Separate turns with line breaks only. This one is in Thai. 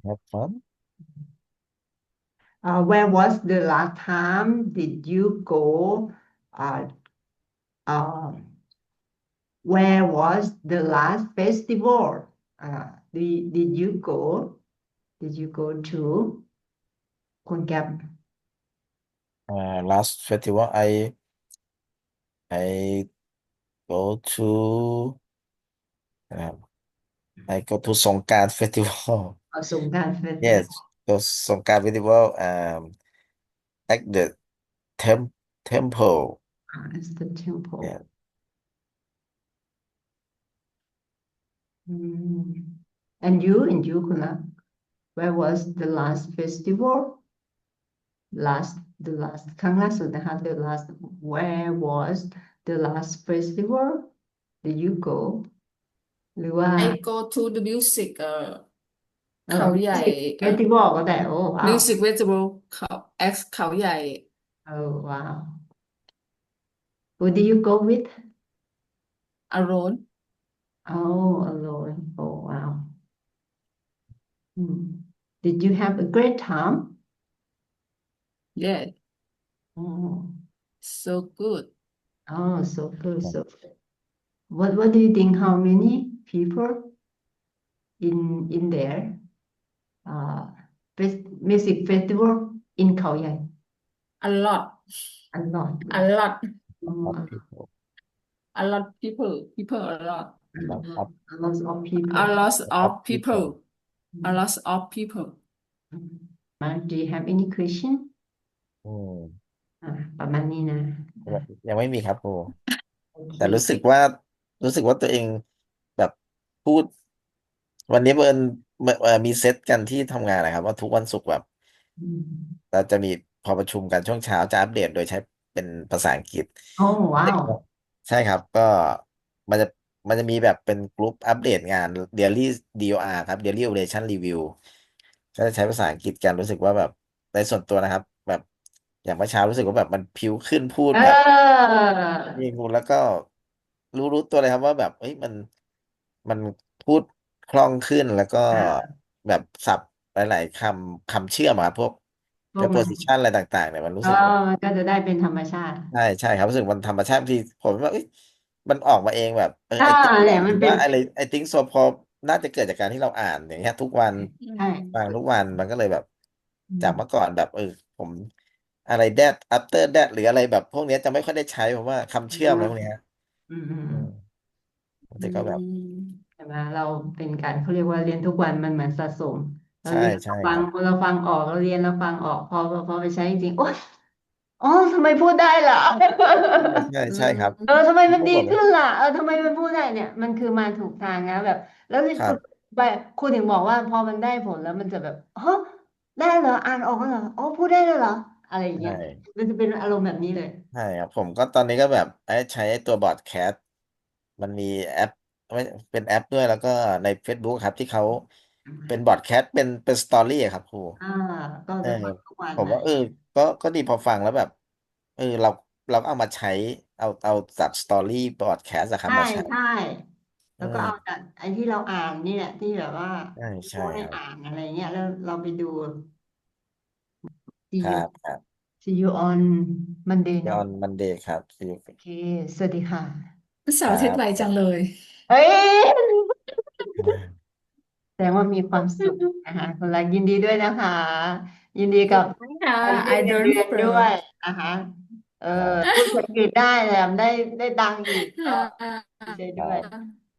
have fun.
Where was the last time did you go? Uh, uh, where was the last festival? Did you go? Did you go to คุณแกม
Last festival I go to uh, I go to Songkran festival.
สงกรานต์เฟสติวัล
Yes, go Songkran festival at the temple.
as the temple.
Yeah.
Mm. And you คุณละ where was the last festival the last ครั้งล่าสุดนะคะ the last where was the last festival did you go หรือว่า
I go to the music เขาใหญ่
music festival ก็ได้โอ้ว้าว
music festival เขา X เขาใหญ่
โอ้ว้าว who did you go with
alone
oh alone oh wow Hmm. Did you have a great time
yeah
oh
so good
oh so good so good what do you think how many people in there uh music festival in Khao Yai
a lot
a lot
a lot
Of
oh,
people.
a lot people a lot
a lot of people
a lot
Of
of
people.
people a lot of people
Do you have any question
อืม
ประมาณนี้นะ
ยังไม่มีครับครู
โอเค
แต่รู้สึกว่าตัวเองแบบพูดวันนี้มีเซตกันที่ทำงานนะครับว่าทุกวันศุกร์แบบ
อืม
เราจะมีพอประชุมกันช่วงเช้าจะอัปเดตโดยใช้เป็นภาษาอังกฤษ
โอ้ว้าว
ใช่ครับก็มันจะมันจะมีแบบเป็นกลุ่มอัปเดตงาน Daily DOR ครับ Daily Operation Review ก็จะใช้ภาษาอังกฤษกันรู้สึกว่าแบบในส่วนตัวนะครับแบบอย่างเมื่อเช้ารู้สึกว่าแบบมันพิ้วขึ้นพูด
เ
แบบ
ออ
มีงูแล้วก็รู้ตัวเลยครับว่าแบบเอ้ยมันพูดคล่องขึ้นแล้วก็
อ่า
แบบศัพท์หลายๆคำเชื่อมอะครับพวก
พวกมัน
preposition อะไรต่างๆเนี่ยมันรู้
เออ
สึกว่า
มันก็จะได้เป็นธรรมชาติ
ใช่ครับรู้สึกมันธรรมชาติบางทีผมว่าเอ้ยมันออกมาเองแบบ
อ่า
ไอติ๊ก
เนี่ยมันเป็น
หรือว่าอะไรไอติ๊กโซพอน่าจะเกิดจากการที่เราอ่านอย่างเงี้ยทุกวัน
ใช่
ฟังทุกวันมันก็เลยแบบ
อืม
จากเมื่อก่อนแบบผมอะไร that after that หรืออะไรแบบพวกเนี้ยจะไม่ค่อยได้ใช้เพราะว่าคำ
อื
เชื่อมอะไรพวก
ม
เนี้ย
อืมอืม
อืม
อื
แต่ก็แบบ
ม
ใช่ไหมเราเป็นการเขาเรียกว่าเรียนทุกวันมันเหมือนสะสมเรา
ใช่
เรียน
ใช่ครับ
เราฟังออกเราเรียนเราฟังออกพอไปใช้จริงๆโอ๊ยอ๋อทำไมพูดได้ล่ะ
ใช่ครับ
ทำไมมันดี
พวกผม
ขึ้นล่ะทำไมมันพูดได้เนี่ยมันคือมาถูกทางนะแบบแล้วที่ฝึก
ครับ
ไปครูถึงบอกว่าพอมันได้ผลแล้วมันจะแบบฮะได้เหรออ่านออกเหรออ๋อพูดได้เลยเหรออะไรอย่าง
ใช่
เงี้ยมันจะเป็นอารมณ์แบบนี้เลย
ใช่ครับผมก็ตอนนี้ก็แบบใช้ตัวบอร์ดแคสมันมีแอปไม่เป็นแอปด้วยแล้วก็ใน Facebook ครับที่เขาเป็นบอร์ดแคสเป็นสตอรี่อะครับครู
อ่าก็
เออ
จะฟังทุกวัน
ผมว่า
อะไรอย่างเงี้ย
ก็ดีพอฟังแล้วแบบเราก็เอามาใช้เอาจากสตอรี่บอร์ดแคสอะครับ
ใช่
มาใช้
ใช่
เอ
แล้วก็เอา
อ
จากไอ้ที่เราอ่านนี่แหละที่แบบว่า
ใช่
ผู้ให้
ครับ
อ่านอะไรเงี้ยแล้วเราไปดู see
ครั
you
บครับ
see you on Monday เนาะ
on Monday ครับ
โอเคสวัสดีค่ะ
ครั
เสาร์อาทิตย์ไวจัง
บ
เลย
เฮ้ย แสดงว่ามีความสุขนะคะคุณรักยินดีด้วยนะคะยินดีกับ
ค่ะ
การขึ้น
I
เงิน
don't
เดือนด้วย
first
นะคะเออ
ครับ
พูดภาษาอังกฤษได้แถมได้ตังค์อีกก็ดีใจด้วย
ครับ